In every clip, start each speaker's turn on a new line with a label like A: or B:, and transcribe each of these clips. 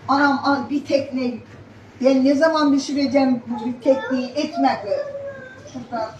A: Anam bir tekne. Ben ne zaman pişireceğim bir tekneyi ekmek. Şurada.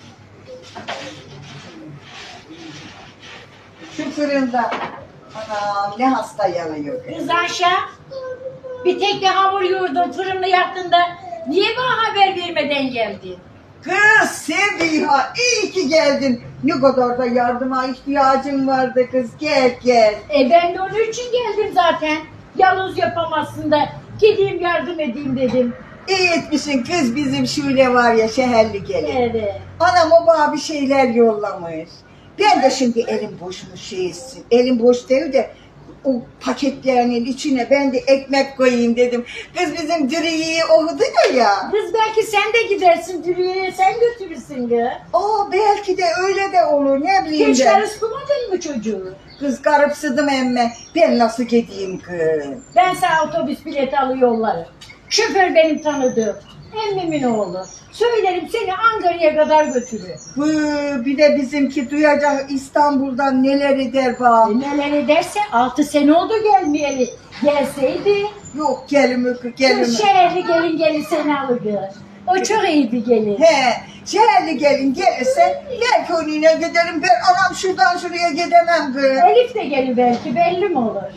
A: Şu fırında. Anam ne hasta yanıyor.
B: Kız Ayşe, bir tek de hamur yoğurdun, fırını yaptın da niye bana haber vermeden geldin?
A: Kız Sebiha iyi ki geldin. Ne kadar da yardıma ihtiyacım vardı kız. Gel gel.
B: Ben de onun için geldim zaten. Yalnız yapamazsın da gideyim yardım edeyim dedim.
A: İyi etmişsin kız, bizim Şule var ya şehirli gelin.
B: Evet.
A: Anam o bana bir şeyler yollamış. Ben de şimdi elim boşmuş şeysin. Elim boş değil de o paketlerinin içine ben de ekmek koyayım dedim. Kız bizim Diriye'yi okudu ya.
B: Kız belki sen de gidersin Dürüye'ye, sen götürürsün kız.
A: Belki de öyle de olur, ne bileyim
B: Hiç
A: ben.
B: karıştırmadın mı çocuğu?
A: Kız garipsıdım emme. Ben nasıl gideyim kız?
B: Ben sana otobüs bileti alı yollarım. Şoför benim tanıdığım. Emmimin oğlu. Söylerim seni Ankara'ya kadar götürür.
A: Bir de bizimki duyacak İstanbul'dan neler eder bak.
B: Neler ederse 6 sene oldu gelmeyeli. Gelseydi.
A: Yok gelimi
B: Kız şehirli gelin seni alırdı. O çok iyi bir gelin.
A: He, şehirli gelin gelirse belki onunla giderim. Ben anam şuradan şuraya gidemem kız.
B: Elif de gelir belki, belli mi olur?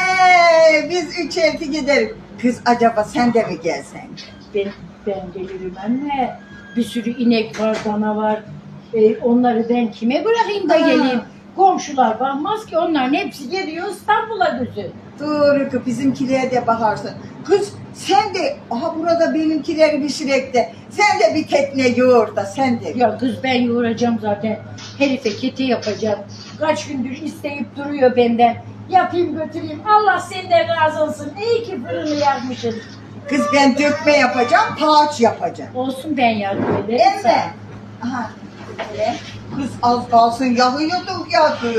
A: Biz üç elti giderim. Kız acaba sen de mi gelsen?
B: Ben gelirim anne. Bir sürü inek var, dana var. Onları ben kime bırakayım da geleyim? Komşular bakmaz ki, onların hepsi geliyor İstanbul'a gözü.
A: Doğru kız, bizimkilere de bakarsın. Kız sen de burada benimkileri pişirek de sen de bir tekne yoğur da sen de.
B: Ya kız ben yoğuracağım zaten. Herife keti yapacağım. Kaç gündür isteyip duruyor benden. Yapayım götüreyim. Allah senden razı olsun. İyi ki fırını yakmışsın.
A: Kız ben dökme yapacağım, paç yapacağım.
B: Olsun ben yardım ederim.
A: Evet. Aha. Öyle. Kız az kalsın yakıyorduk ya kız.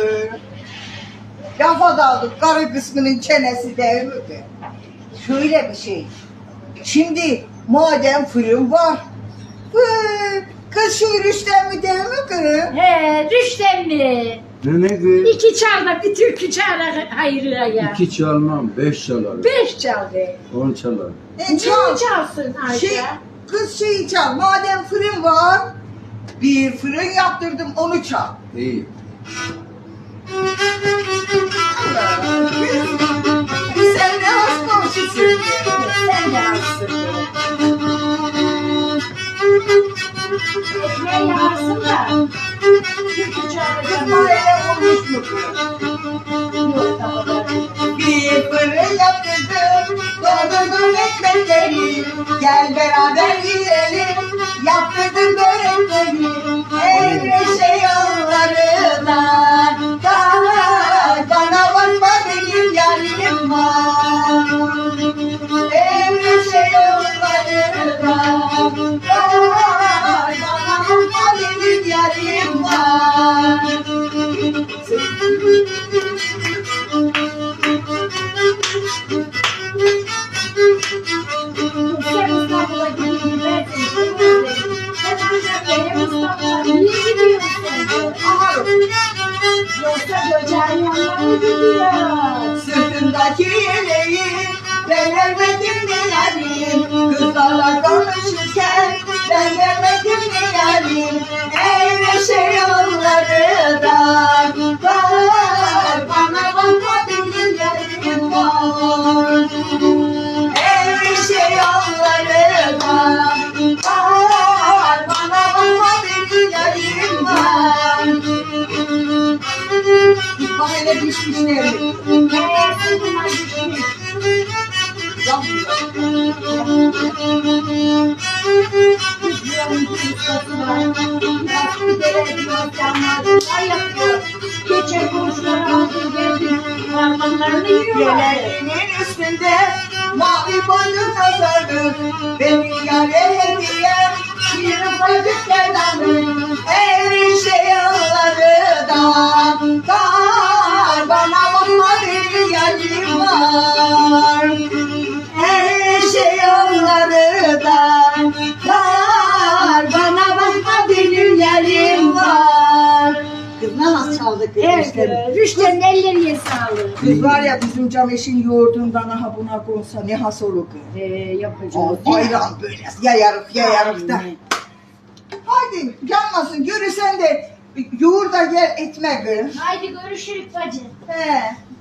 A: Lafa daldık, karı kısmının çenesi değil mi kız? Şöyle bir şey. Şimdi madem fırın var. Kız şu yürüyüşten mi değil mi kız?
B: He, Rüştemli.
C: Ne kız?
B: 2 çal bir türkü çağır hayırlıya ya.
C: 2 çalmam, 5 çalarım.
B: 5 çal be.
C: 10 çalarım.
B: Ne çalsın Ayşe?
A: Kız şeyi çal. Madem fırın var. Bir fırın yaptırdım, onu çal.
C: İyi.
A: Sen ne az komşusun?
B: Sen de alsın. Ekmeği yansın da. Türkü çağıracağım.
A: Kızlarla olmuş mu kız?
B: Yok daha da.
A: Bir fırın yaptırdım, doldurdum ekmekleri. Gel beraber yiyelim, yaptırdım börekleri. Evreşe yollarından, bana bakma benim yarim var. Evreşe yollarından, bana bakma benim yarim var.
B: Sen İstanbul'a gideyim ben seni seviyorum. Sen ancak benim İstanbul'a niye gidiyorsun? Yoksa böceğin yanına mı gidiyor?
A: Sırtımdaki yeleği ben vermedim mi yarim? Kızlarla konuşurken ben vermedim mi yarim? Evreşe yollarından var, bana bakma benim yarim var. Evreşe yollarından var, bana bakma benim yarim var. Bak hele pişmiş nevri.
B: Meğerse bunlar düşmüş. Geçen komşuları aldım geldim. Parmaklarını yiyorlar.
A: Geleneğin üstünde mavi boynuz azarlı. Benim yâre hediyem bir bacık kenarlı. Evreşe yollarından kar, bana bakma benim yarim var. Evreşe yollarından kar, bana bakma benim yarim var. Kız ne nasıl çaldı kız?
B: Evet, Rüştü'nün ellerine sağlık.
A: Kız var ya bizim Cameş'in yoğurdundan aha buna konsa ne has olur kız.
B: Yapacağız.
A: Bayram böyle yayarık da. Hadi yanmasın görürsen de yoğurda gel etme kız.
B: Haydi görüşürüz bacım.
A: He.